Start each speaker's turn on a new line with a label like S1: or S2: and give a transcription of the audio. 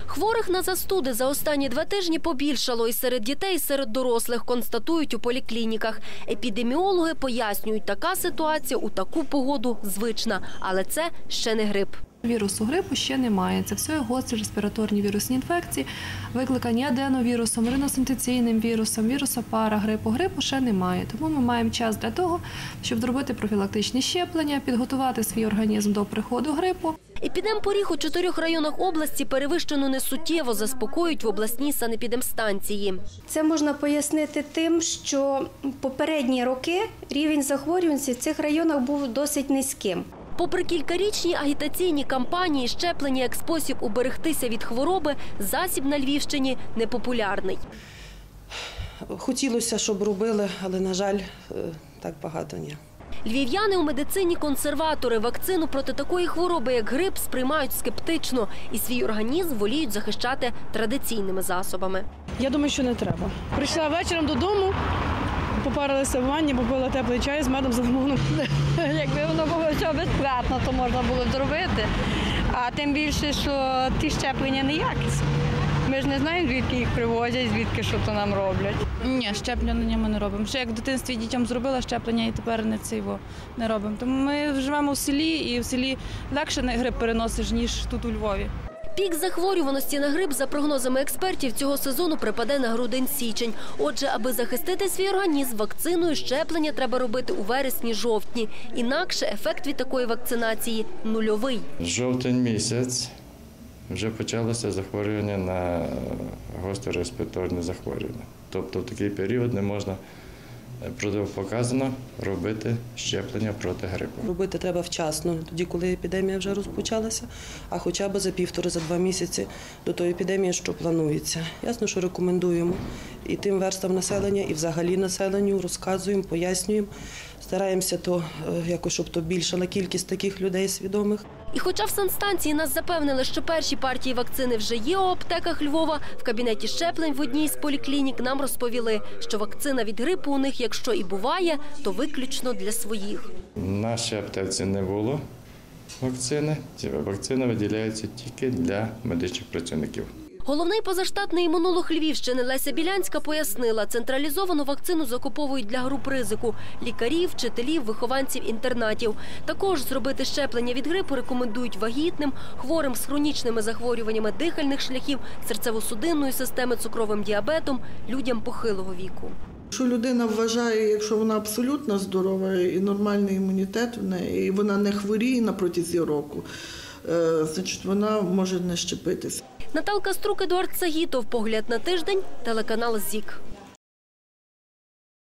S1: Хворих на застуди за останні 2 тижні побільшало і серед дітей, і серед дорослих, констатують у поліклініках. Епідеміологи пояснюють, така ситуація у таку погоду звична, але це ще не грип.
S2: Вірусу грипу ще немає. Це все гострі респіраторні вірусні інфекції, викликані аденовірусом, риносинтеційним вірусом, вірусу парагрипу. Грипу ще немає. Тому ми маємо час для того, щоб зробити профілактичні щеплення, підготувати свій організм до приходу грипу.
S1: Епідемпоріг у 4 районах області перевищено несуттєво, заспокоюють в обласній санепідемстанції.
S3: Це можна пояснити тим, що попередні роки рівень захворюваності в цих районах був досить низьким.
S1: Попри кількарічні агітаційні кампанії, щеплення як спосіб уберегтися від хвороби, засіб на Львівщині непопулярний.
S4: Хотілося, щоб робили, але, на жаль, так багато ні.
S1: Львів'яни у медицині консерватори. Вакцину проти такої хвороби, як грип, сприймають скептично і свій організм воліють захищати традиційними засобами.
S5: Я думаю, що не треба. Прийшла вечором додому, попарилася в ванні, попила теплий чай з медом, з лимоном.
S6: Якби воно було все безплатно, то можна було зробити. А тим більше, що ті щеплення неякісні. Ми ж не знаємо, звідки їх привозять, звідки що то нам роблять.
S7: Ні, щеплення ми не робимо. Ще як в дитинстві дітям зробила щеплення і тепер не робимо. Тому ми живемо в селі і в селі легше грип переносиш, ніж тут у Львові.
S1: Пік захворюваності на грип, за прогнозами експертів, цього сезону припаде на грудень-січень. Отже, аби захистити свій організм, вакциною щеплення треба робити у вересні-жовтні. Інакше ефект від такої вакцинації – нульовий.
S8: Жовтень місяць вже почалося захворювання на гостре респіраторне захворювання. Тобто в такий період не можна протипоказано робити щеплення проти грипу.
S4: Робити треба вчасно, тоді, коли епідемія вже розпочалася, а хоча б за 1,5-2 місяці до тої епідемії, що планується. Ясно, що рекомендуємо і тим верстам населення, і взагалі населенню розказуємо, пояснюємо. Стараємося, щоб збільшила кількість таких людей свідомих.
S1: І хоча в санстанції нас запевнили, що перші партії вакцини вже є у аптеках Львова, в кабінеті щеплень в одній з поліклінік нам розповіли, що вакцина від грипу у них, якщо і буває, то виключно для своїх.
S8: В нашій аптеці не було вакцини. Вакцина виділяється тільки для медичних працівників.
S1: Головний позаштатний імунолог Львівщини Леся Білянська пояснила, централізовану вакцину закуповують для груп ризику – лікарів, вчителів, вихованців інтернатів. Також зробити щеплення від грипу рекомендують вагітним, хворим з хронічними захворюваннями дихальних шляхів, серцево-судинної системи, цукровим діабетом, людям похилого віку.
S9: Якщо людина вважає, якщо вона абсолютно здорова і нормальний імунітет в неї, і вона не хворіє на протязі року, значить вона може не щепитися.
S1: Наталка Струк, Едуард Сагітов. Погляд на тиждень. Телеканал ЗІК.